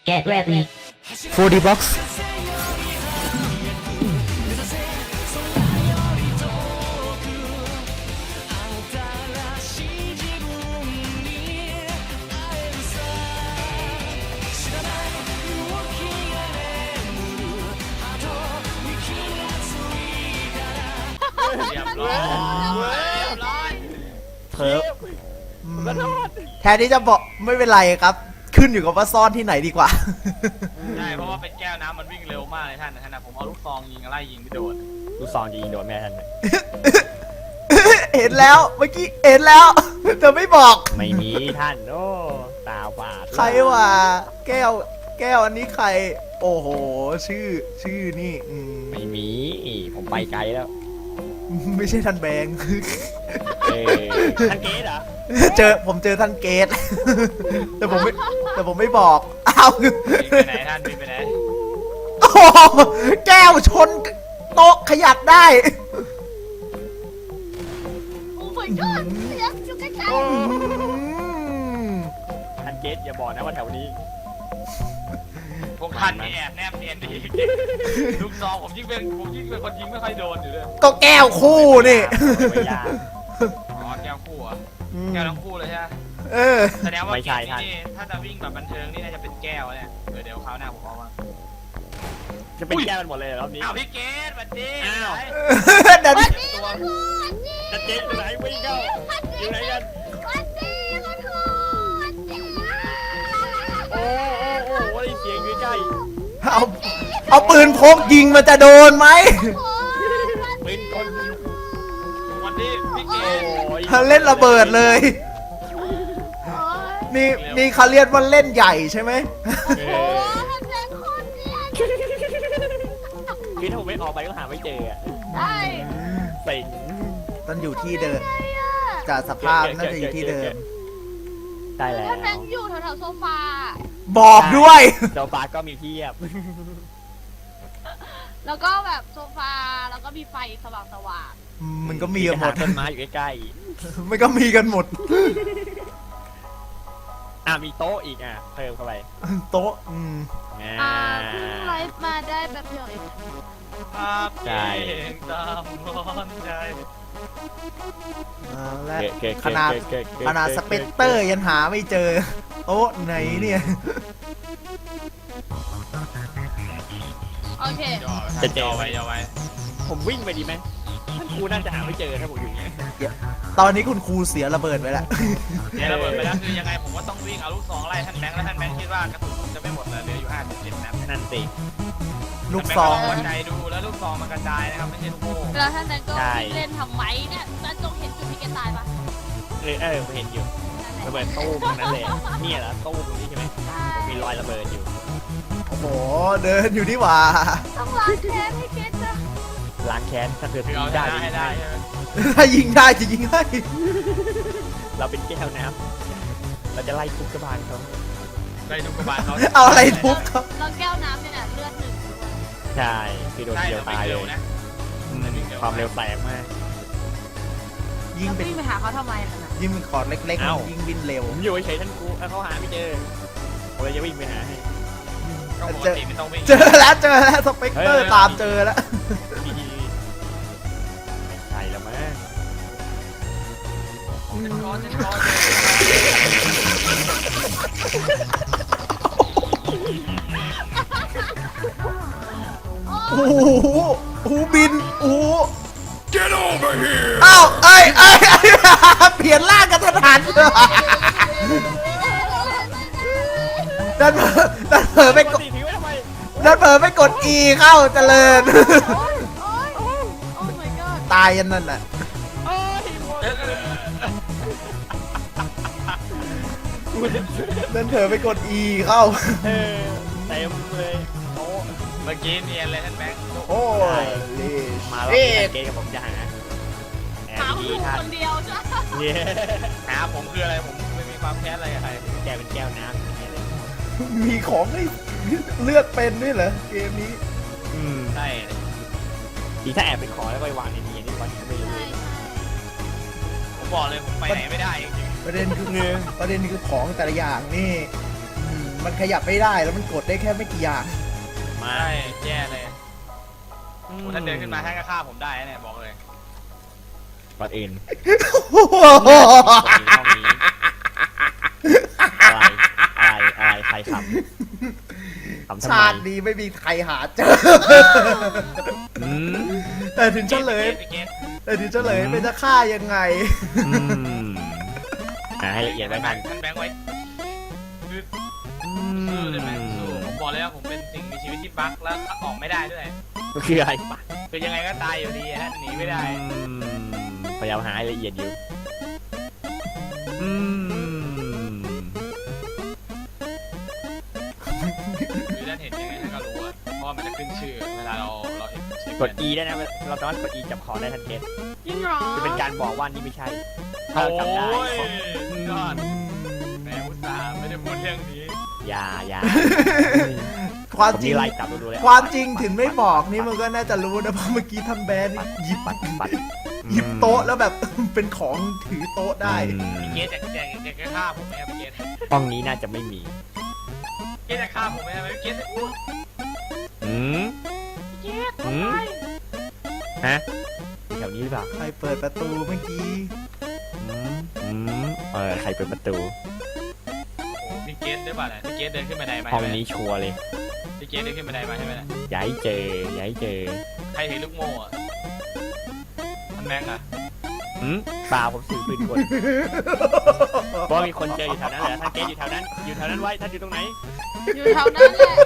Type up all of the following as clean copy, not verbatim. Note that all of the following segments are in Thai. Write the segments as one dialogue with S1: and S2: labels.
S1: Get ready.
S2: 4D box
S3: เรียบร้อยเรียบร้อย
S2: เพิ่มแทนที่จะบอกไม่เป็นไรครับ ขึ้นอยู่กับว่าซ่อนที่ไหนดีกว่า
S3: ใช่เพราะว่าเป็นแก้วน้ำมันวิ่งเร็วมากเลยท่านนะผมเอาลูกซองยิงไล่ยิงไม่โดน
S4: ลูกซองจะยิงโดนแม่ท่านไหม
S2: เห็นแล้วเมื่อกี้เห็นแล้วแต่ไม่บอก
S4: ไม่มีท่านโอ้ตาบาด
S2: ใครวะแก้วอันนี้ใคร โอ้โห ชื่อนี่
S4: ไม่มีผมไปไกลแล้ว
S2: ไม่ใช่ท่านแบงค์
S4: ท่านเกสเหรอ
S2: ผมเจอท่านเกต แต่ผมไม่บอกอ้าว
S3: วิ่งไปไหนท่านวิ่งไปไหน
S2: โอ้โหแก้วชนโต๊ะขยับได้
S1: โอ้ my god เสียงอยู่ใกล้
S4: ท่านเกสอย่าบอกนะว่าแถวนี้
S3: พวกท่านนี่แอบแนบเนียนดีลูกซองผมยิ่งเป็นคนยิงไม่ค่อยโดนอยู่เลย
S2: ก็แก้วคู่นี่
S4: ไม่ยาก
S3: อ๋อแก้วคู่อ่ะแก้วทั้งคู่เลยใช่ไหม
S2: เออ
S3: แสดงว่า
S4: ไม่ใช่ท่าน
S3: นี่ถ้าจะวิ่งแบบบันเทิงนี่น่าจะเป็นแก้วเนี่ยเดี๋ยวคราวหน้าผมเอามา
S4: จะเป็นแก้วกันหมดเลยรอบนี้
S3: อ้าวพี่เกดสวัสดี
S4: อ้าว
S2: เดี๋ยว
S3: ตัว
S4: ท่านเกสอยู่ไหนวิ่งเข้าอยู่ไหนกันโอ้ได้เสียงอยู่ใกล้
S2: เอาปืนพกยิงมันจะโดนไหม
S4: ปืนกล
S3: สวัสดีพี่เกด
S2: เล่นระเบิดเลย นี่เขาเรียกว่าเล่นใหญ่ใช่ไหม
S4: คือถ้าผมไม่ออกไปก็หาไม่เจออะ
S1: ใช่
S4: เซ็ง
S2: ต้องอยู่ที่เดิมจากสภาพน่าจะอยู่ที่เดิม
S4: ได้แล้ว
S1: ท่านแบงค์อยู่แถวๆโซฟา
S2: บอกด้วย
S4: เจ้าปลาก็มีเพียบ
S1: แล้วก็แบบโซฟา แล้วก็มีไฟสว่าง
S2: มันก็มีกันหมด
S4: ต้นไม้อยู่ใกล้
S2: มันก็มีกันหมด
S4: ๆมีโต๊ะอีกเพิ่มเข้าไป
S2: โต๊ะ
S1: ๆเพิ่งไลฟ์มาได้แบบเดียวเอง
S3: ภาพเก่งตามร้อนใจ
S2: และ
S4: เก๋ๆ
S2: ขนาด
S4: เก๋ๆ
S2: ขนาดสเปกเตอร์ยังหาไม่เจอ โต๊ะไหนเนี่ย
S1: โอเค
S3: ย่อไว้
S4: ผมวิ่งไปดีไหมท่านครูน่าจะหาไม่เจอถ้าผมอยู่อย่างเงี้ย
S2: ตอนนี้คุณครูเสียระเบิดไปแล้ว
S3: เนี่ยระเบิดไปแล้วคือยังไงผมก็ต้องวิ่งเอาลูกซองไล่ท่านแบงค์แล้วท่านแบงค์คิดว่ากระสุนจะไม่หมดเลยเหลืออยู่57นัด
S4: นั่นสิ
S2: ลูกซอง
S3: หัวใจดูแล้วลูกซองมันกระจายนะครับไม่ใช่ลูกโม่
S1: แล้วท่านแบงค์ก็วิ่งเล่นทำไมเนี่ยท่านจงเห็นจุดที่แกตายปะ
S4: ผมเห็นอยู่ระเบิดตู้ตรงนั้นเลยเนี่ยเหรอตู้ตรงนี้ใช่ไหมมีรอยระเบิดอยู่
S2: โอ้โห เดินอยู่นี่หว่า
S1: ต้องล้างแค้นให้เกตนะ
S4: ล้างแค้นถ้าเกิด
S3: คือเอา
S4: ได้
S3: ให้ได้ใช่ไหม
S2: ถ้ายิงได้จะยิงให้
S4: เราเป็นแก้วน้ำเราจะไล่ทุบกระบาลเขา
S3: ได้ทุกกระบาลเขา
S2: เอาอะไรทุบเขา
S1: แล้วแก้วน้ำเนี่ยเลือดหนึ่ง
S4: ใช่คือโดน
S3: ได้
S4: เดียว
S3: แต่วิ่
S4: ตาง ยเล
S3: เร็วย นะ
S4: ความเร็วแสงมาก
S2: ยิง
S1: แล้ว
S2: เป็น
S1: วิ่งไปหาเขาทำไมล่ะนะ
S2: ยิงเป็นคอร์ดเล็ก
S4: เอ้า
S2: ๆยิงบินเร็ว
S4: ผมอยู่เฉยๆท่านครูเขาหาไม่เจอผมเลยจะวิ่งไปหาให้
S3: ก็ปกติไม่ต้องวิ่ง
S2: เจอแล้วสเปกเตอร์ตามเจอแล้ว
S4: ดีไม่ใช่แล้วมั้ง
S3: ช้อน
S2: โอ้โหโอ้โหบิน โอ้โห Get over here อ้าวเปลี่ยนร่างกันทันหันดันเผลอไปกด
S4: ทิ้งไว้ทำไม
S2: ดันเผลอไปกด E เข้าเจริญ
S1: โอ้ย my god
S2: ตายยันนั่นน่ะ
S4: โอ้ยหมด
S2: ดันเผลอไปกด E เข้า
S4: เต็มเลยโอ้
S3: เมื่อกี้เนียนเลยท่านแบงค์
S2: โอ้ย
S4: มาแล้ว
S2: เอ๊ะ
S4: เกย์กับผมจะหาแอบ
S1: หา
S4: ดี
S1: คุณ
S4: ท่าน
S1: คนเดียวจ้ะ
S4: เนี่ย
S3: หาผมคืออะไรผมไม่มีความแค้นอะไรกับใคร
S4: แกเป็นแก้วน้ำอย่างเงี้ยเลย
S2: มีของให้เลือกเป็นด้วยเหรอเกมนี้
S3: ใช่
S4: ดีถ้าแอบไปขอแล้วไปวางในนี้นี่วันนี้ไม่รู้
S1: ใช่
S4: เลย
S1: ใช่
S3: ผมบอกเลยผมไปไหนไม่ได้จริง
S2: ประเด็นคือของแต่ละอย่างนี่มันขยับไม่ได้แล้วมันกดได้แค่ไม่กี่อย่าง
S4: มา
S3: ใช่แย่เลยโอ้ถ้าเดินขึ้นมาท่านก็ฆ่าผมได้นะเนี่ยบอกเลย
S4: ก่อนอื่นห้องนี้อะไรใครขำทำไม
S2: ชาตินี้ไม่มีใครหาเจอ
S4: อืม
S2: แต่ถึงเฉลย
S3: พี่เกต
S2: แต่ถึงเฉลยเป็นจะฆ่ายังไง
S4: อืมให้ละเอียดไว้ทัน
S3: ท่านแบงค์ไว้คือสู้ได้ไหมสู้ผมบอกเลยว่าผมเป็นสิ่งมีชีวิตที่บั๊กแล้วออกไม่ได้ด้วย
S4: ก็คืออะไรปะ
S3: คือยังไงก็ตายอยู่ดีฮะหนีไม่ได้
S4: พยายามหาให้ละเอียดอยู่อืม
S3: คือท่านเห็นยังไงท่านก็รู้อะเพราะว่ามันจะขึ้นชื่อเวลาเราเห็นชื่อก
S4: ด E ได้นะเราสามารถกด E จับคอได้ทันเกต
S1: จริงเหรอ
S4: จะเป็นการบอกว่านี่ไม่ใช่ถ้า
S3: โอ้
S4: เราจำได้
S3: ยยอดแหมอุตส่าห์ไม่ได้พูดเรื่องนี้
S4: อย่า
S2: ความ
S4: ผม
S2: จริ
S4: มี
S2: ง
S4: ไล่จับดูเลย
S2: ความจริงถึงไม่บอกนี่มันก็น่าจะรู้นะเพราะเมื่อกี้ท่านแบนหยิบ
S4: ปัด
S2: หยิบโต๊ะแล้วแบบ เป็นของถือโต๊ะได้
S3: พี่เกตจะฆ่าผมไหมครับพี่เกต
S4: ห้องนี้น่าจะไม่มี
S3: เกตจะฆ่าผมไหมครับพี่เกตอู้
S4: อืม
S1: เจ๊ทำไม
S4: ฮะแถวนี้หรือเปล่า
S2: ใครเปิดประตูเมื่อกี้
S4: ใครเปิดประตู
S3: โอ้พี่เกตได้ป่ะเนี่ยพี่เกตเดินขึ้นบันไดมา
S4: ห้องนี้ชัวร์เลย
S3: พี่เกตเดินขึ้นบันไดมาใช่ไหมเนี่ย
S4: ย้ายเจอ
S3: ใครถือลูกโม่อะมันแบงค์อะ
S4: เปล่าผมถือปืนกลเพราะมีคนเจออยู่แถวนั้นเหรอท่านเกตอยู่แถวนั้นไว้ท่านอยู่ตรงไหน
S1: อยู่แถวนั้นแหละ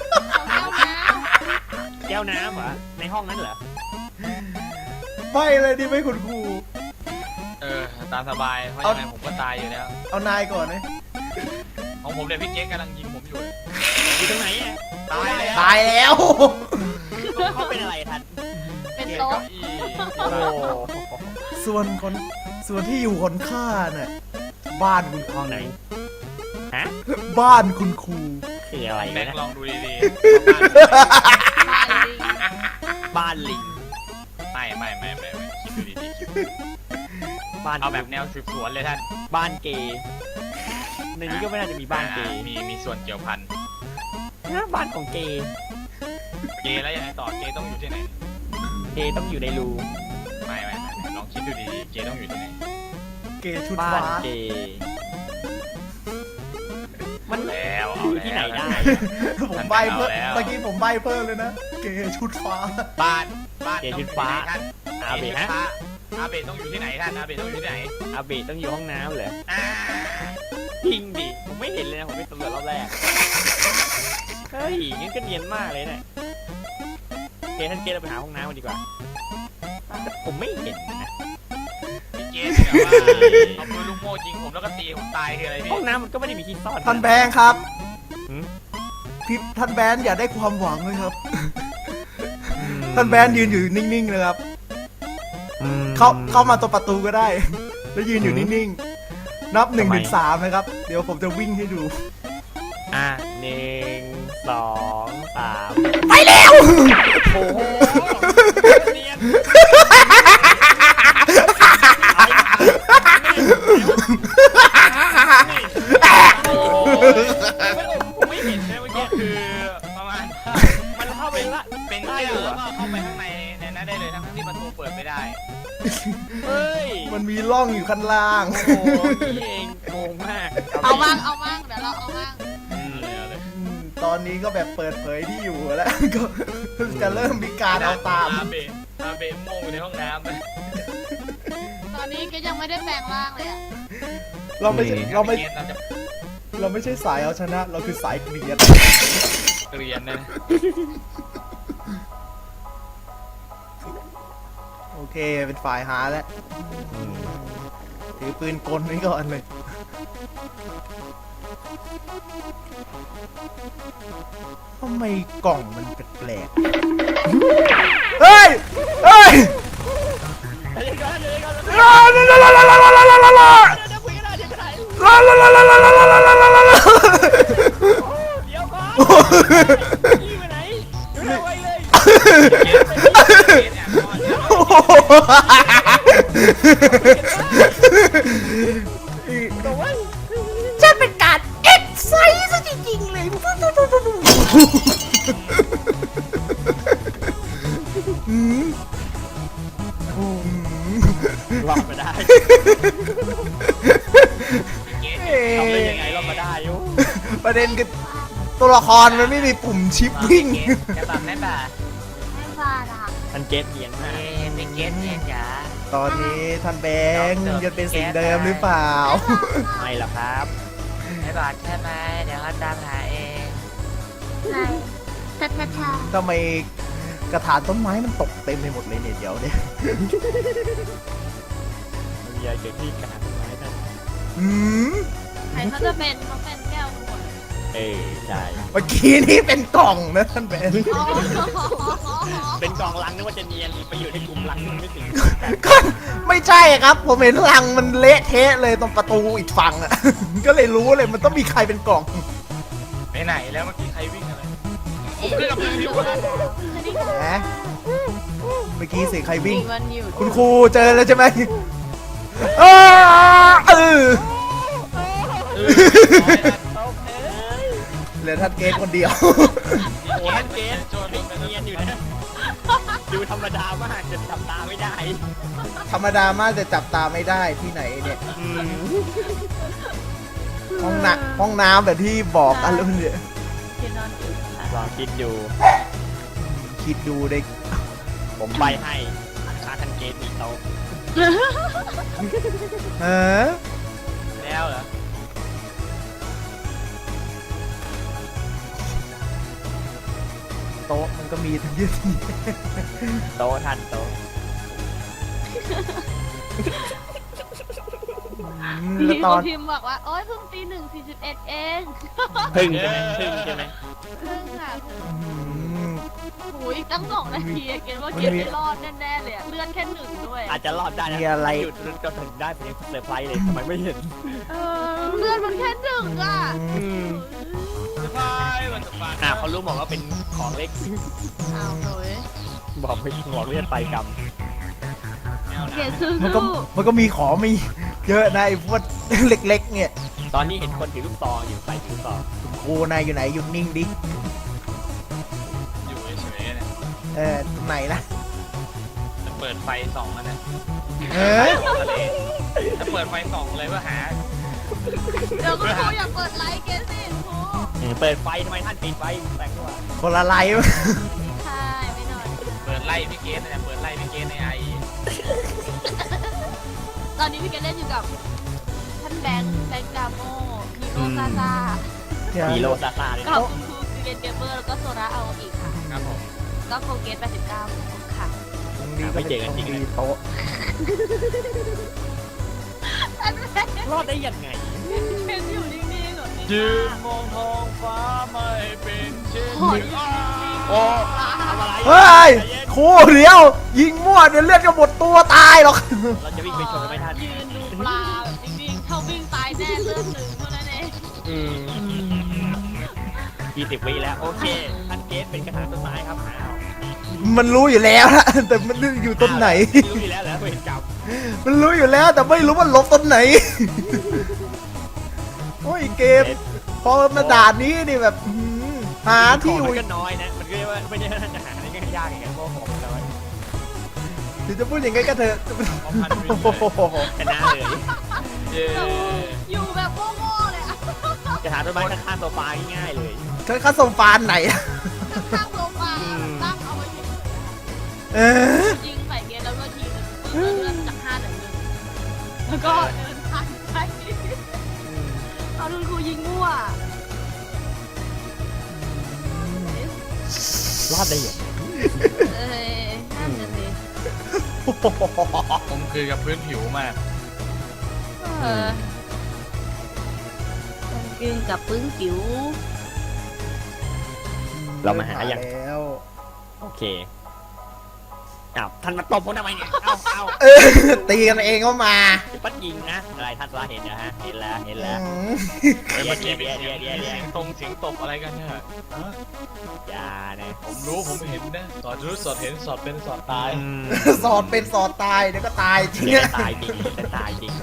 S1: แถวแก้วน้
S4: แก้วน้ำเหรอในห้องนั้นเหรอ
S2: ไม่เลยดิไม่คุณครู
S3: ตามสบายเพราะยังไงผมก็ตายอยู่แล้ว
S2: เอานายก่อนไหม
S3: ของผมเนี่ยพี่เกตกำลังยิงผมอยู่
S4: อยู่ตรงไหนอ่ะ
S3: ตายแล้ว
S2: ตายแล้ว
S4: เขาเป็นอะไรท่าน
S1: ำเป็น
S3: เกต
S1: โต๊ะ
S3: เก้าอี้
S4: โอ้
S2: ส่วนที่อยู่คนข้าน่ะบ้านคุณครู
S4: ห้องไหนฮะ
S2: บ้านคุณครู
S4: คืออะไร
S3: แบง
S4: นะ
S3: ค์ลองดูดี
S1: บ้านลิง
S4: บ้านลิง
S3: ๆไม่คิดดูดี
S4: บ้าน
S3: ๆเอาแบบแนวสืบสวนเลยท่าน
S4: บ้านเกย์ในนี้ก็ไม่น่าจะมีบ้านเกย์
S3: มีส่วนเกี่ยวพัน
S4: นะบ้านของเกย์
S3: เกย์แล้วยังไงต่อเกย์ต้องอยู่ที่ไหน
S4: เกย์ต้องอยู่ในรู
S3: ไม่ลองคิดดูดีๆเกย์ต้องอยู่ที่ไหน
S2: เกย์ชุด
S4: บ้าน
S2: ฟ้า
S4: เกย์มัน
S3: แล้วเอา
S4: อยู่ที่ไหนได้
S2: ผมใบเพิ่มเมื่อกี้ผมใบเพิ่มเลยนะ เกย์ชุดฟ้า
S3: บ้าน
S4: เกย์ชุดฟ้า
S3: ท่าน
S4: อาเบะฮะ
S3: อาเบะต้องอยู่ที่ไหนท่านอาเบะต้องอยู่ที่ไหน
S4: อาเบะต้องอยู่ห้องน้ำเหรอ
S3: อ่า
S4: จริงดิผมไม่เห็นเลยนะผมไปสำรวจรอบแรกเฮ้ยงั้นก็เนียนมากเลยเนี่ยเกย์ท่านเกย์เราไปหาห้องน้ำกันดีกว่าแต่ผมไม่เห็นนะ
S3: พี่เกย์เนี่ยว่าเอาปืนลูกโม่ยิงผมแล้วก็ตีผมตายคืออะไรพี่
S4: ห้องน้ำมันก็ไม่ได้มีที่ซ่อน
S2: ท่านแบงค์ครับ
S4: หืม
S2: พี่ท่านแบนอย่าได้ความหวังเลยครับ ท่านแบนยืนอยู่นิ่งๆเลยครับ เข้ามาตัวประตูก็ได้ แล้วยืนอยู่นิ่งๆ นับ1 ถึง 3นะครับ เดี๋ยวผมจะวิ่งให้ดู
S4: 1 2 3
S2: ไปแล้ว
S4: โอ้โหเนียนผมไม่เห็นนะเมื่อ
S3: ก็
S4: กี้
S3: คือประมาณ
S4: มันเข้าไปละ
S3: เป็นเสื้อแล้วก็เข้าไปข้างในนั้นได้เลยทั้งที่ประตูเปิดไม่ได้
S4: เฮ้ย
S2: มันมีร่องอยู่ข้างล่าง
S4: โอ้โหนี่เองงงมาก
S1: เอาบ้างเดี๋ยวเราเอาบ้าง
S2: ตอนนี้ก็แบบเปิดเผยที่อยู่แล้ว ก็จะเริ่มมีการเอาตาม
S3: อาเบะโม่อยู่ในห้องน้ำเลย
S1: ตอนนี้ก็ยังไม่ได้แปลงร่างเลยอ่ะ
S2: เราไม่ใช่
S3: เราจะ
S2: เราไม่ใช่สายเอาชนะ เราคือสายเกลียด
S3: เรียนนะ
S2: โอเคเป็นฝ่ายหาแล้ว ถือปืนกลไว้ก่อนเลย ทำไมกล่องมันแปลกๆเฮ้ย เฮ้ย
S4: เดี๋ยวก่อน
S2: ลาลาลาลาลาลาลาลาลาลาลา
S4: เดี๋ยวคุยกันได้เดี๋ยวก็ได้
S2: ลาลาลาลาลาลาลาลาลาลา
S4: เดี๋ยวก่อนนี่ไปไหนอยู่ไหนไว้เลย
S2: ฉันเป็นการเอ็กไซส์ซะจริงๆเลยพวกอืม
S4: รอดมาได้
S2: เอ๊ะ
S4: ทำได้ยังไงรอดมาได้โย
S2: ประเด็นคือตัวละครมันไม่มีปุ่มชิปวิ่ง
S3: จะแบบแม่บ่า
S1: ไม่ว่าล่ะ
S4: ทันเกตเนียนมาก
S3: เป็นเกสเนี่ยจ๋า
S2: ตอนนี้ท่านแบงค์ยังเป็นสิ่งเดิมหรือเปล่า
S4: ไม่หรอกครับ
S3: ไม่บาดใช่ไหมเดี๋ยวเขาตามหาเอง
S1: ไหนแท้แท้
S2: ทำไมกระถางต้นไม้มันตกเต็มไปหมดเลยเนี่ยเดี๋ยวเนี่ย
S4: มันมีอะไรเกิดที่กระถางต้นไม้นั่น
S2: อืม
S1: ใครเขาจะเป็นเขาเป็นแก้วทุกคน
S4: ใช่
S2: เมื่อกี้นี่เป็นกล่องนะท่านแบงค์
S1: อ๋อ
S4: เป็นกองลังนึกว่าจะเนียนไปอยู่ในกลุ่มลังนึงไม่ถึง
S2: ก็ไม่ใช่ครับ ผมเห็นรังมันเละเทะเลยตรงประตูอีกฝั่งอ่ะ ก็เลยรู้เลยมันต้องมีใครเป็นกล่อง
S3: ไปไหนแล้วเมื่อกี้ใครวิ่งอะไร
S1: เอ๊ะอยู่แล้ว
S2: นะเมื่อกี้เสียงใครวิ่ง
S1: มันอยู่
S2: คุณครูเจอแล้วใช่ไหมเออเหลือท่านเกตคนเดียว
S4: โอ้ท่านเกตไม่เนียนอยู่นะดูธรรมดามากจะทำตาไม่ได้
S2: ธรรมดามากแต่จับตาไม่ได้ที่ไหนเนี่ย ห้องน้ำแบบที่บอกกันแล้วเนี่ย
S1: ที่นอนอยู่ค่ะ
S4: ลองคิดดู
S2: คิดดูเด็ก
S4: ผมใบให้ค่าทันเกตมีโต๊ะ
S2: เออ
S3: แล้วเหรอ
S2: โต๊ะมันก็มีทั้งเยอะที่
S4: โต๊ะทันโต๊ะ
S2: แล้ว
S1: มี
S2: ต
S1: ค
S2: อน
S1: นพิมพ์บอกว่า โอ๊ยเพิ่งตี 1:41 เอง
S4: พึ่งใช่ไหมพึ่งใช่ไหม
S1: เพิ่งค่ะ
S2: อืม
S1: โอ้ยตั้ง2 นาทีอะเกณฑ์ว่าเกณฑ์ไม่รอดแน่ๆเลยอะเลื่อนแค่1ด้วย
S4: อาจจะรอดได้นะ
S2: มีอะไร
S4: หยุดก็ถึงได้ผมยังเซอร์ไพรส์เลยทำไมไม่เห็น
S1: เลื่อนมันแค่1อ่ะ
S3: จะพายวันจะพาย
S4: เขารู้บอกว่าเป็นของเล็ก
S1: เอาเลย
S4: บอกไม่บอกเลือดไปกรรม
S1: เกณฑ์สู้
S2: มันก็มีของมีเยอะนะไอ้พวก เล็กๆ เนี่ย
S4: ตอนนี้เห็นคนถือลูกซองอยู่ใส่ถือลูกซอง
S2: ครูนายอยู่ไหนหยุดนิ่งดิ
S3: อยู่เฉยๆเนี่ย
S2: ตรงไหนนะ
S3: จะเปิดไฟส่องมันนะ
S2: เออ
S3: จะเปิดไฟส่องเลยเพื่อหา
S1: เดี๋ยวคุณครูอย่าเปิดไลฟ์เกณฑ์สิครู
S4: เปิดไฟทำไมท่านปิดไฟแต่งตัว
S2: คนละไลฟ์
S1: ใช่ไม่นอน
S3: เปิดไล่พี่เกสเนี่ยเปิดไล่พี่เกสในไอ
S1: ตอนนี้พี่เกณฑ์เล่นอยู่กับท่านแบงค์ดามโมฮีโร่ซาซา
S4: ฮีโร่ซาซาเลย
S1: กับคุณครูซีเรนเกมเมอร์แล้วก็โซระเอาอีกค่ะ
S3: ครับผม
S1: ก็โคเกต89ค่ะ
S4: ไม่เจอกันจริงเลย
S2: โต๊ะ
S1: ท่านแบงค์
S4: รอดได้ยังไง
S1: เป็นอยู่นิ่งๆเหรอ
S3: ยืนมองท้องฟ้าไม่เป็นเช่น
S1: โอ้ย
S4: โอ้ทำอะไร
S2: เฮ้ยครูเดี๋ยว ยิงมั่วเดี๋ยวเลือดจะหมดตัวตายหรอก
S4: เราจะวิ่งไปชนกันไหมท่าน
S1: ยืนดูปลาแบบนิ่งๆเข้าวิ่งตายแน่เลือด1เท่านั้นเอง
S4: 20 วิแล้วโอเคท่านเกสเป็นกระถางต้นไม้ครับอ้าว
S2: มันรู้อยู่แล้วนะแต่มันอยู่ต้นไหน
S4: รู้อยู่แล้วเหรอเวรกรรม
S2: มันรู้อยู่แล้วแต่ไม่รู้ว่าลบต้นไหน โอ้ยเกม พอมาด่านนี้นี่แบบหาที่อยู่
S4: มันก็น้อยนะ มันก็เรียกว่าไม่ใช่ท่านจะหาอะไรก็ยากอย่างเงี้ยเพราะของมันน้อย
S2: ถึงจะพูดอย่างไงก็เถอะ โอ้โห
S4: ชนะเลย
S3: เย้
S1: อยู่แบบโง่ๆเลยอะ
S4: กระถางต้นไม้ข้างๆโซฟาง่ายๆเลย
S2: เขาส่งฟานไหนอะ
S1: ตั้งโซฟาตั้งเอาไว้เฉย
S2: เออ
S1: ๆยิงใส่เกณฑ์แล้วก็ทีนึงเลื่อนจาก5เหลือ1แล้วก็เดินผ่านไปเอาคุณครูยิงมั่ว
S4: รอดได้ยังไง
S1: เอ้ยนั่นน่ะสิ
S3: ผมคือกับพื้นผิวมาก
S1: ต้องกินกับปึ้งจิ๋ว
S4: เรามาหาอย่าง
S2: แล้ว
S4: โอเคอ้าวท่านมาตบผมทำไมเนี่ยเอา
S2: เออตีกันเองก็มา
S4: ปัดยิงนะอะไรท่านว่าเห็นนะฮะเห็นแล้วเห็นแล้ว
S2: อืม
S3: เมื่อกี้เป็น
S4: เดี๋ยว
S3: เสียงตรงเสียงตบอะไรกันเนี่ย
S4: อย่านะ
S3: ผมรู้ผมเห็นนะสอดรู้สอดเห็นสอดเป็นสอดตาย
S2: สอดเป็นสอดตายเดี๋ยวก็ตายจริง
S4: เดี๋ยว
S2: อะ
S4: ตายจริงจะตายจริง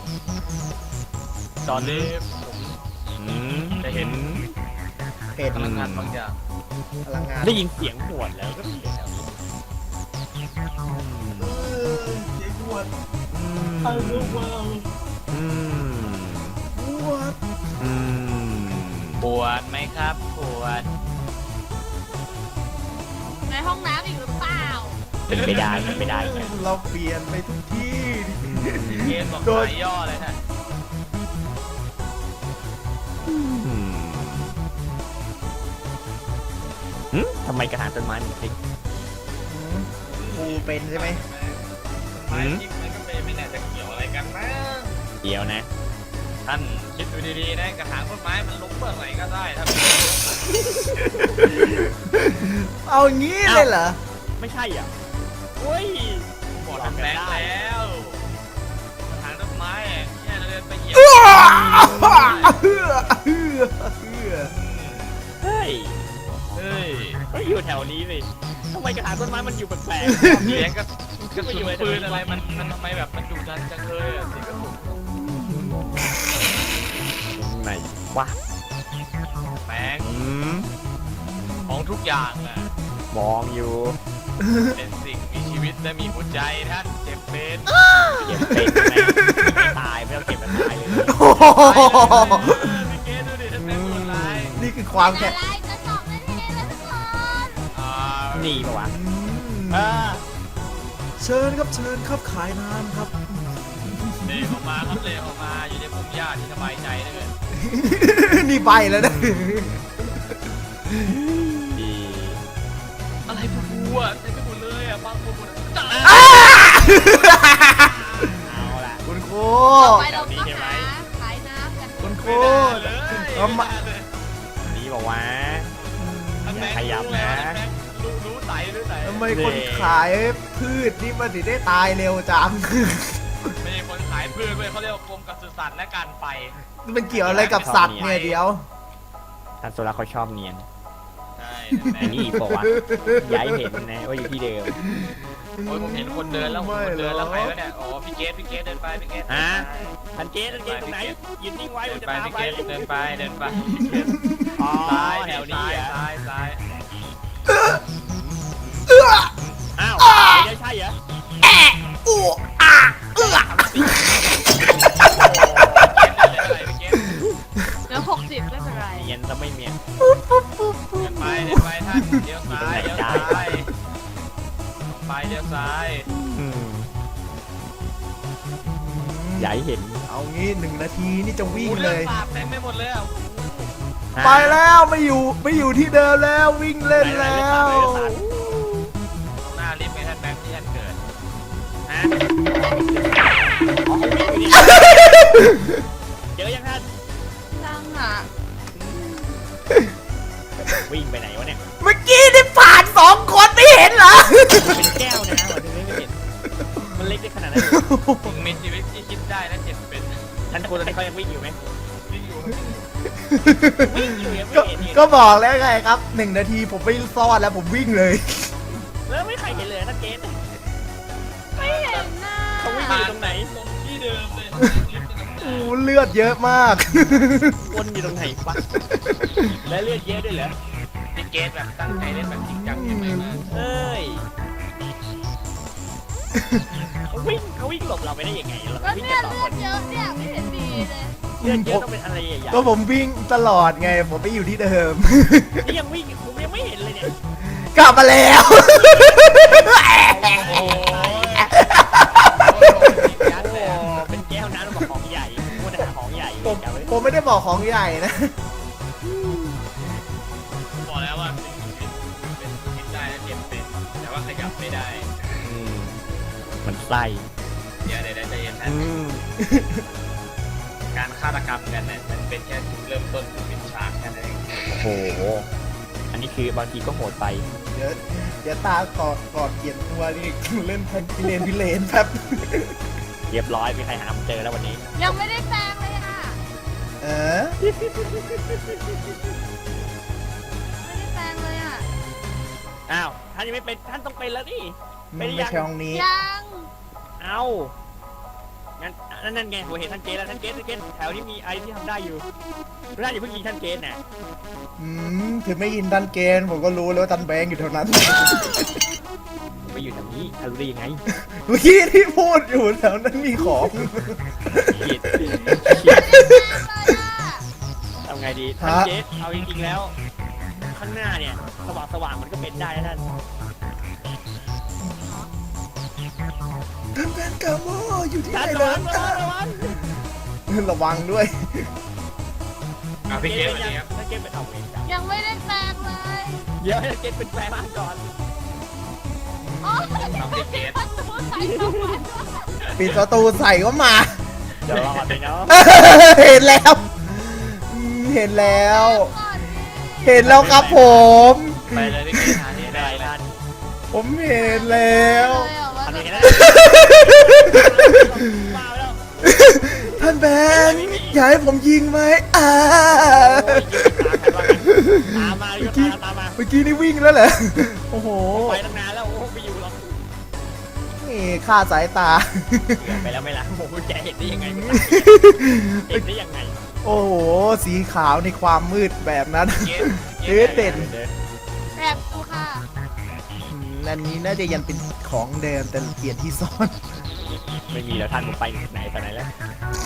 S3: ตอนนี้ผม จะเห็น
S2: เห็น
S3: พลังงานบางอย่าง
S2: พลังงาน
S4: ได้ยินเสียงหวดแล้วก็เสียงแถวนี้
S2: เจ๊ปวด
S4: อืม
S2: ไอ้ลูกว้าว
S4: อืม
S2: ปวด
S4: อืม
S3: ปวดไหมครับปวด
S1: ในห้องน้ำอีกหรือเปล่า
S4: เป็นไม่ได้เป็นไม่ได้ไง
S2: เราเปลี่ยนไปทุกที่
S3: เกมบอกสายย่อเลยฮะ
S4: ทำไมกระถางต้นไม้มันพลิก
S2: ปูเป็นใช่ไหม
S3: ไม้จริงมันก็ไม่น่าจะเกี่ยวอะไรกันนะ
S4: เดี๋ยวนะ
S3: ท่านคิดดูดีๆนะกระถางต้นไม้มันลุกเมื่อไหร่ก็ได้ถ้า
S2: เอางี้เลยเหรอ
S4: ไม่ใช่อ่ะเฮ้ย
S3: บอกทำแบงค์แล้วกระถางต้นไม้แค่เดินไปเหยียบ
S4: เฮ้ย
S3: เฮ้ย
S4: ก็อยู่แถวนี้สิทำไมกระถางต้นไม้มันอยู่แปลก
S3: เสียงกระสุนปืนอะไรมันทำไมแบบมันดุดันจังเลยอะเสียงกระสุน
S4: ๆไหนวะ
S3: แบงค์ของทุกอย่างอะ
S4: มองอยู่
S3: เป็นสิ่งมีชีวิตและมีหัวใจท่านเจ็บเป็น
S4: เก็บเป็นไหมไม่ตายไม่ต้องเก็บมันตายเลย
S2: โอ้โห
S3: พี่เกดดูดิท่านแบงค์คนร้าย
S2: นี่คือความ
S1: อะ
S2: แค่
S1: ไรจะสอบนาทีแล้วทุกคน
S4: หนีปะวะ
S2: เชิญครับขายน้ำครับ
S3: เลออกมาครับเลออกมาอยู่ในพุ่มหญ้าที่สบายใจเลย
S2: นี่ใบแล้วนะ
S4: ดี
S3: อะไรพวกกูอะเต็มไปหมดเลยอะบางคนหมดจ้า
S4: เอาล่ะ
S2: คุณครู
S1: ต่อไปเราก็หาขายน้ำกัน
S2: คุณครู
S3: เลย
S2: เอามา
S4: ดีบอกว่า อย่าขยับนะ
S3: รู้ใสรู้ใส
S2: ทำไมคนขายพืชนี่มันถึงได้ตายเร็วจัง
S3: ไม่ใช่คนขายพืชเว้ยเขาเรียกว่ากรมปศุสัตว์และการไฟ
S2: มันเกี่ยวอะไรกับสัตว์เนี่ยเดี๋ยว
S4: ท่านโซล่าเขาชอบเนียน
S3: ใช่
S4: อันนี้อีกบอกว่าย้ายเห็นนะว่าอยู่ที่เดิม
S3: โอ้ยผมเห็นคนเดินแล้วคนเดินแล้วใครวะเนี่ยอ๋อพี่เกดเดินไปพี่เกด
S4: ฮะท่านเกตตรงไหนยืนนิ่งไว้
S3: เดิ
S4: มัน
S3: น
S4: จะ
S3: ไป
S4: ตาม
S3: พี่
S4: ไป
S3: เกดเดินไปเดินไป
S4: อ๋อ
S3: ซ้าย
S4: แถวนี้อ่ะ
S3: ซ้าย
S4: อ้าวเดี๋ยวใช่เหรอ
S3: พี่เกด
S1: เหลือ60ไม่เป็นไร
S4: เนียนจะไม่เนียน
S3: เดินไปท่านเลี้ยวซ้ายเลี้ยวซ้ายไปเลี้ยวซ้าย
S4: ย้ายเห็น
S2: เอางี้1 นาทีนี่จะวิ่ง
S3: อู้
S2: เล
S3: เลือย ดสาดเต็มไปหมดเลยอ่ะ
S2: ไปแล้วไม่อยู่ที่เดิมแล้ววิ่งเล่นแล้ว
S3: หน้าลิฟต์ไงท่านแบงค์ที่ท่านเกิด
S4: ฮะอ๋อเขาวิ่งอยู่เนี่ยเจอยังท่าน
S1: ตั้งอ่ะ
S4: วิ่งไปไหนวะเนี่ย
S2: เมื่อกี้นี่ผ่าน2 คนไม่เห็นเหรอ
S4: เป็นแก้วนะวันนี้ไม่เห็นมันเล็กได้ขนาดนั้น
S3: ถึงมีชีวิตที่คิดได้และเจ็บเป็น
S4: ท่านคนเขายังวิ่งอยู่ไหม
S3: วิ่งอยู่
S4: วิ่งอยู่ยังไม่
S2: ก็
S4: เห็นนี่
S2: ก็บอกแล้วไงครับ1 นาทีผมไม่ซ่อนแล้วผมวิ่งเลย
S4: แล้วไม่ใครเห็นเลยท่านเกต
S1: ไม่เห็นหน้า
S4: เขาวิ่งอยู่ตรงไหน
S3: ตรงที่เดิมเลย
S2: โอ้เลือดเยอะมาก
S4: วนอยู่ตรงไหนวะและเลือดเยอะด้วยเหรอ
S3: พี่เกดแบบตั้งใจเล่นแบบจริงจังยังไงมา
S4: เอ้ยเขาวิ่งหลบเราไปได้ยังไงเรา
S1: ก็
S4: วิ่ง
S1: เนี่
S4: กั
S1: ย
S4: นสอง
S1: เลื
S4: ค
S1: อน ดเยอะเนี่ยไม่เห็นดีเลย
S4: เลือดเยอะต้องเป็นอะไรใหญ่
S2: ก็ผมวิ่งตลอดไงผมไปอยู่ที่เดิม
S4: ๆนี่ยังวิ่งผมยังไม่เห็นเลยเนี่ย
S2: กลับมาแล้ว
S3: โอ้ย
S4: ยันเลยเป็นแก้วน้ำบอกของใหญ่พูดหาของใหญ่
S2: ผม
S4: จำไว้
S2: ผมไม่ได้บอกของใหญ่นะ
S3: บอกแล้วว่าเป็นคิดได้และเจ็บเป็นแต่ว่าขยับไม่ได้
S4: มันไส้
S3: เดี๋ยวใจเย็นนะการฆาตกรรมกันเนี่ยมันเป็นแค่จุดเริ่มต้นเป็นฉากแค่นั้นเอง
S4: โอ้โหอันนี้คือบางทีก็โหดไป
S2: เดี๋ยวตากอดเกียนตัวนี่เล่นแพนพิเลนแป๊บ
S4: เรียบร้อยมีใครหาผมเจอแล้ววันนี้
S1: ยังไม่ได้แปลงเลยอ่ะ
S2: เออ
S1: ไม่ได้แปลงเลยอ่ะ
S4: อ้าวท่านยังไม่เป็นท่านต้องเป็นแล้วนี่
S2: มันไม่ใช่ห้องนี้
S1: ยัง
S4: เอ้างั้นนั่นไงผมเห็นท่านเกตแล้วท่านเกตแถวนี้มีไอที่ทำได้อยู่ไม่ได้อย่าเพิ่งยิงท่านเกตนะ
S2: ถึงไม่ยินทันเกณฑ์ผมก็รู้แล้วว่าทันแบงค์อยู่แถวนั้น
S4: ผมไปอยู่แถวนี้ท่านรู้ได้ยังไง
S2: เมื่อกี้ที่พูดอยู่แถวนั้นมีของ
S4: เกลียดทำไงดีท่านเกตเอาจริงๆแล้ว ข้างหน้าเนี่ยสว่างมันก็เป็นได้นะท่าน
S2: ท่านแบงค์กาโมอยู่ที่ไหน
S4: ท่าน
S2: เล
S4: ระวั
S2: ย
S4: ง
S2: ระวังด้วย
S3: เอาพี่เกมวันนี้ครับ
S4: ท่านเกตเป็นเอาเวรจับ
S1: ยังไม่ได้แปลงเลย
S4: เดี๋ยวท่านเกตเป็นแฟนบ้านก่อน
S1: โอ้ย
S3: เอาพี่เกม
S1: ประตูใส่เข้ามา
S2: ปิดประตูใส่ก็มา
S4: เดี๋ยวรอเลยเนาะ
S2: เห็นแล้วเห็นแล้ว
S1: ก่อนดิ
S2: เห็นแล้วครับผม
S3: ไปเลยพี่เกมหาที่
S4: ได้
S3: ได้
S4: ท่าน
S2: ผมเห็นแล้ว
S1: เลยเหรอว่า
S4: ทำยังไง
S1: จะ
S4: นะมาแล้ว
S2: ท่านแบงค์อยากให้ผมยิงไหม
S4: โอ้ยตามมาตามมา
S2: เมื่อกี้นี่วิ่งแล้วเหรอโอ้โห
S4: ไปตั้งนานแล้วโอ้ไม่อยู่หรอก
S2: นี่ฆ่าสายตา
S4: เกือบไปแล้วไม่ละโอ้โหแกเห็นได้ยังไงเห็นได้ยังไง
S2: โอ้โห สีขาวในความมืดแบบนั้น
S3: เกม
S2: เอ๊ะเด่น
S1: แบบกูค่ะ
S2: อันนี้น่าจะยังเป็นของเดิมแต่เปลี่ยนที่ซ่อน
S4: ไม่มีแล้วท่านผมไปไหนตอนไหนแล้ว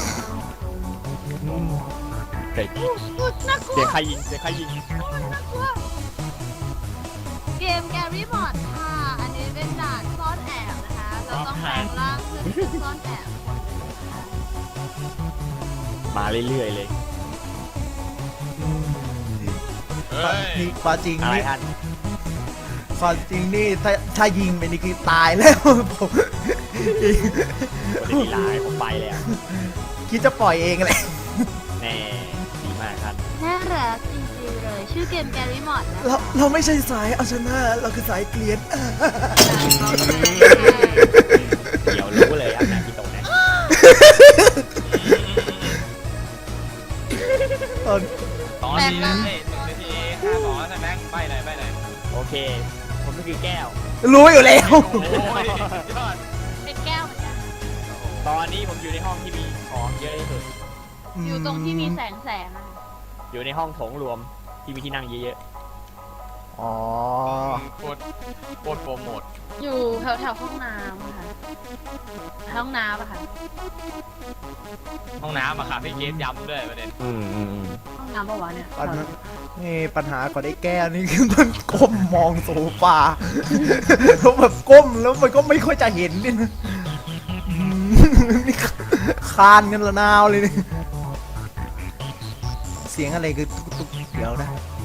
S4: เสีย
S1: อุ๊ยน่ากลัว
S4: เสียใครยิงเสียใครยิง
S1: น่ากลัวเกมแกรี่บอร์ดค่ะ อันนี้เป็นด่านซ่อนแอบนะคะ เราต้องแปลงร่างขึ้นซ่อนแอบคนหนึ่งนะคะ
S4: มาเรื่อยๆเลย
S3: เฮ้ย
S2: นี่ความจริง
S4: อะไร
S2: นี่
S4: ท่าน
S2: ความจริงนี่ถ้ายิงไปนี่คือตายแล้ว ผม
S4: คนที่ลายผมไปเลยอ่ะ
S2: คิดจะปล่อยเองแหละ
S4: แน่ดีมากท่าน
S1: น่ารักจริงๆเลย ชื่อเกมแกรี่บอร์ดนะ
S2: เราไม่ใช่สายเอาชนะเราคือสายเกลียน
S4: เดี๋ยวรู้เลยอ่ะนะพี่ตรงไหน
S2: ตอน
S3: ตอนนี้นะ1 นาที52แล้วนะแบงค์ไปไหนไปไหน
S4: โอเค ผมก็คือแก้ว
S2: รู้อยู่แล้ว
S3: โอ้ยยอด
S1: เป็นแก้วเหมือนกัน
S4: ตอนนี้ผมอยู่ในห้องที่มีของเยอะที่สุด
S1: อยู่ตรงที่มีแสงอะ
S4: อยู่ในห้องโถงรวมที่มีที่นั่งเยอะ
S2: อ๋อ
S3: โคตรโปรโมท
S1: อยู่แถวๆห้องน้ำอะค่ะ ห้องน้ำอะค่ะ
S3: ห้องน้ำอะค่ะพี่เกมย้ำด้วยประเด็น
S4: ๆ
S1: ห้องน้ำปะวะเนี่ย
S2: ปัญหานี่ปัญหาของไอ้แก้วนี่คือมันก้มมองโซฟา แล้วแบบก้มแล้วมันก็ไม่ค่อยจะเห็นนี่นะนี่คานกันละนาวเลยนี่เสียงอะไรคือตุ๊กๆเดี๋ยวนะ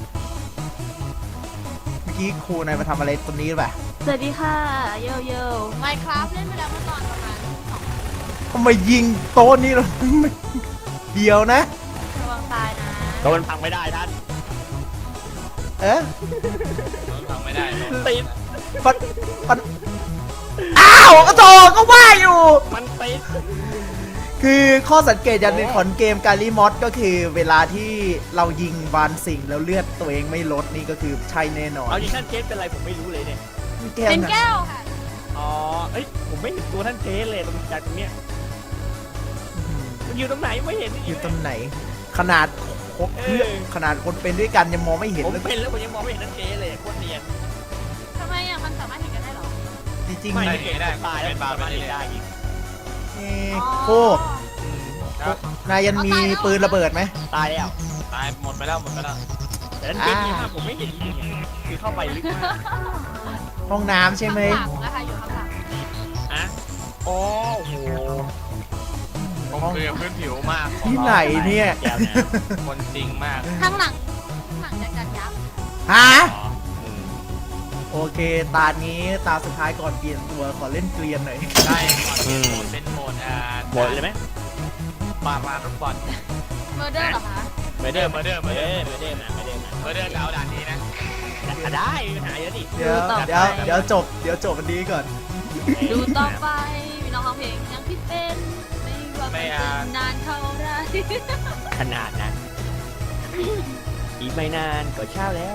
S2: เมื่อกี้ครูนายมาทำอะไรตรงนี้หรือเปล่า
S1: สวัสดีค่ะโยโย่ไมค์ครับเล่นไปแล้วเมื่อตอนประมาณ2
S2: ทำไมยิงโต๊ะนี่เราเดียวนะ
S1: ระวังตายนะ
S4: ก็มันพังไม่ได้ท่าน
S2: เอ๊ะ
S3: ฟังไม่ได้
S4: ติด
S2: ปันอ้าวก็โตก็ว่าอยู่
S4: มันติด
S2: คือข้อสังเกตอย่างหนึ่งของเกมการีมอสก็คือเวลาที่เรายิงบานสิ่งแล้วเลือดตัวเองไม่ลดนี่ก็คือใช่แน่นอน
S4: เอาจริงท่านเกสเป็นไรผมไม่รู้เลยเนี่ย
S2: แก้ว
S1: เป็น
S2: นะ
S1: แก้วค่ะ
S4: อ๋อ เอ้ย ผมไม่เห็นตัวท่านเกสเลยตรงจากตรงเนี้ย มันอยู่ตรงไหนไม่เห็น
S2: อยู่ตรงไหน ขนาดขนาดคนเป็นด้วยกันยังมองไม่เห็น
S4: ผม
S2: เลย
S4: เป็นแล้วผมยังมองไม่เห็นท่านเกสเลยโคตรเนียน
S1: ทำไมอ่ะ มันสามารถเห็นกันได้เหรอ
S2: จริงๆ
S4: ไม่
S2: นี่
S4: เห็นตายแล้วสามารถเห็นได้อีก
S2: โอ้
S3: ครับ
S2: นายยังมีปืนระเบิดไหม
S4: ตายแล้ว
S3: ตายหมดไปแล้วหมดไปแล้ว
S4: แต่ท่านเกสเนี่ยผมไม่เห็นจริงๆคือเข้าไปลึกมาก
S2: ห้องน้ำใช่ไหม
S1: ข้างหลังนะคะอยู่ข้างหลัง
S4: อ่ะโอ้โห
S3: ผมคือพื้นผิวมาก
S2: ที่ไหนเนี่ย
S4: แก้วเนี่ย
S3: คนจริงมาก
S1: ข้างหลังจะกันยับ
S2: ฮะ
S4: อ๋ออืม
S2: โอเค ตานี้ตาสุดท้ายก่อนเปลี่ยนตัวขอเล่นเกลียนหน่อย
S3: ใช่ก่อนเป็นโหมด
S4: หมดเลยไหม
S3: ปาลูกบอล
S1: เมอร์เดอร์เหรอคะ
S4: ไม่ได้ไม่ได้ไม่ได้ไม่ได้นะไม่ได้นะ
S3: เดินแล้วด่านนี้นะ
S4: ได้มีปัญหาเยอะดิ
S2: เดี๋ยวจบวันนี้ก่อน
S1: ดูต่อไปมีน้องร้องเพลงยังพี่เป็นไม่ว่ามันจะนานเท่าไร
S4: ขนาดนั้น อีกไม่นานก็เช้าแล้ว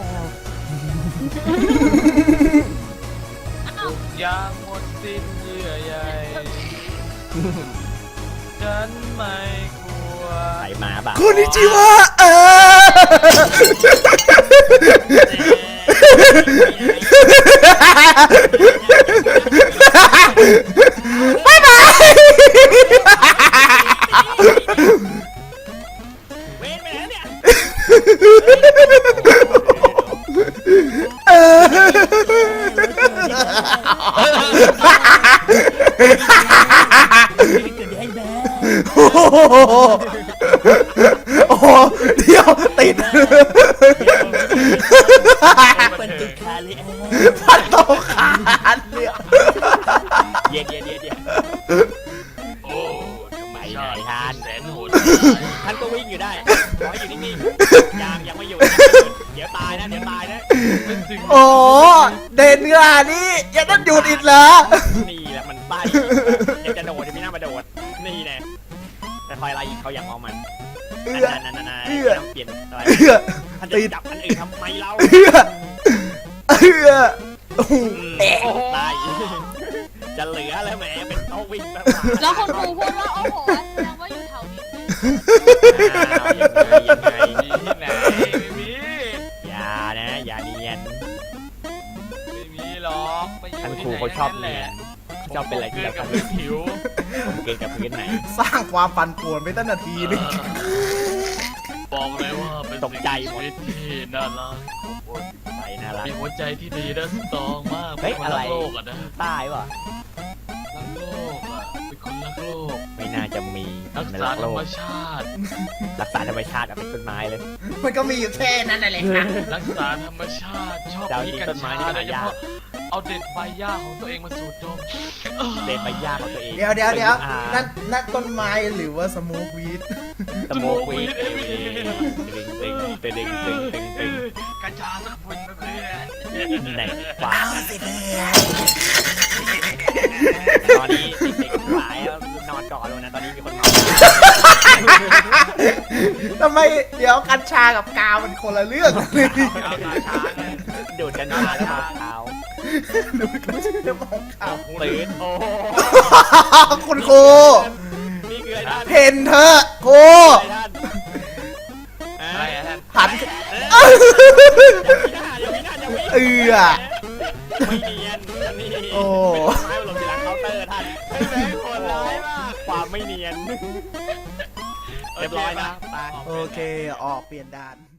S3: ทุกอย่างหมดสิ้นเยื่อใยฉันไม่กลัว
S4: ใส่หมาบ้า
S2: คุณนิจิวะบ๊ายบาย
S4: เว้นไปไหนเนี่ย
S2: โอ้โหเดี๋ยวติด
S4: เป็นจุดคาเลย
S2: พันโตขาดเนี่ย
S4: เย็น
S3: โอ้
S4: ไปไหนท่าน
S3: แสนโหด
S4: ท่านก็วิ่งอยู่ได้ขอให้อยู่นิ่งๆยังไม่อยู่เดี๋ยวตายนะ
S3: เป็นสิ่ง
S2: โอ้เด่นขนาดนี้ยังต้องหยุดอีกเหรอ
S4: นี่แหละมันป้ายเดี๋ยวจะโดดจะไม่น่ามาโดดนี่แน่แต่คอยไล่เขาอย่างมองมันนั่นเปลี่ยนอะไรท่านจะจับอันอื่นทำไมเรา ตายจะเหลือแล้วแหมเป็นโต๊ะวิ่งแบบ
S1: แล้วคนครูพูดว่าโอ้โหแสดงว่าอยู่แถวนี้สิ
S4: ยังไง
S3: มีที่ไหนไม่มี
S4: อย่านะอย่าเนียน
S3: ไม่มีหรอกไปอยู่
S4: ท่าน
S3: ที่
S4: ครู
S3: ไหน
S4: เขาชอบ
S3: นั่น
S4: เนี
S3: แห
S4: ย
S3: ละ
S4: นชอบเป็นอะไรที่
S3: เกิ
S4: เรา
S3: นกับพื้นผิว
S4: เกินกับพื้นไหน
S2: สร้างความปั่นป่วนไปตั้งนาทีนึง
S3: บอกเลยว่าเป็น
S4: ตกใจหมด
S3: สิ่งมีชีวิตที่น่ารัก
S4: ไปน่ารัก
S3: มีหัวใจที่ดีและสตรองมาก
S4: เฮ้ย
S3: เป็นคน
S4: อะไร
S3: รักโลกอะนะ
S4: ตายวะ
S3: รักโลกอะเป็นคนรักโลก
S4: ไม่น่าจะมี
S3: รัก
S4: ใน
S3: ษา
S4: โล
S3: ธรรม
S4: ก
S3: ชาติ
S4: รักษาธรรมชาติเอาเป็นต้นไม้เลย
S2: มันก็มีอยู่แค่นั้นแหละค่ะ
S3: รักษาธรรมชาติชอบ
S4: ดาว
S3: กิน
S4: นี้
S3: กั
S4: ต้
S3: ญ
S4: นไม้
S3: ชา
S4: นี่
S3: โดยเฉ
S4: หายาก
S3: พาะเอาเด็ดใบหญ้าของตัวเองมาสูดดม
S4: เดินไปยากของตัวเอง
S2: เดี๋ยวนั่นต้นไม้หรือว่าสโมกวีด
S4: สโมกวีดตึง
S3: กัญชาสักพุ่นนะเพื่อน
S4: ไหนฟ้าตอนนี้เด็กๆหลายนอนก่อนเลยนะตอนนี้มีคนเมา
S2: ทำไมเดี๋ยวกัญชากับกาวมันคนละเรื่องเลย
S3: เอาตาช้างเลย
S4: ดูดกันมาแล้วเท้า
S2: ดูกัญชาแล้วมองขาว
S4: ตื่นโอ้
S2: คุณครู
S4: นี่คืออะไรท่าน
S2: เห็นเธอะครู
S3: อะไรอะท่าน
S2: หัน
S4: ยังไม่น่าจะวิ่ง
S2: เอือ
S4: ไม่เนียนนี่
S2: โอ้
S4: เป็นไม้หลบอยู่หลังเคาน์เตอร์ท่าน
S3: ไม่แม่งโหดร้ายมาก
S4: ความไม่เนียนเรียบร้อยนะตา
S2: โอเคออกเปลี่ยนด่าน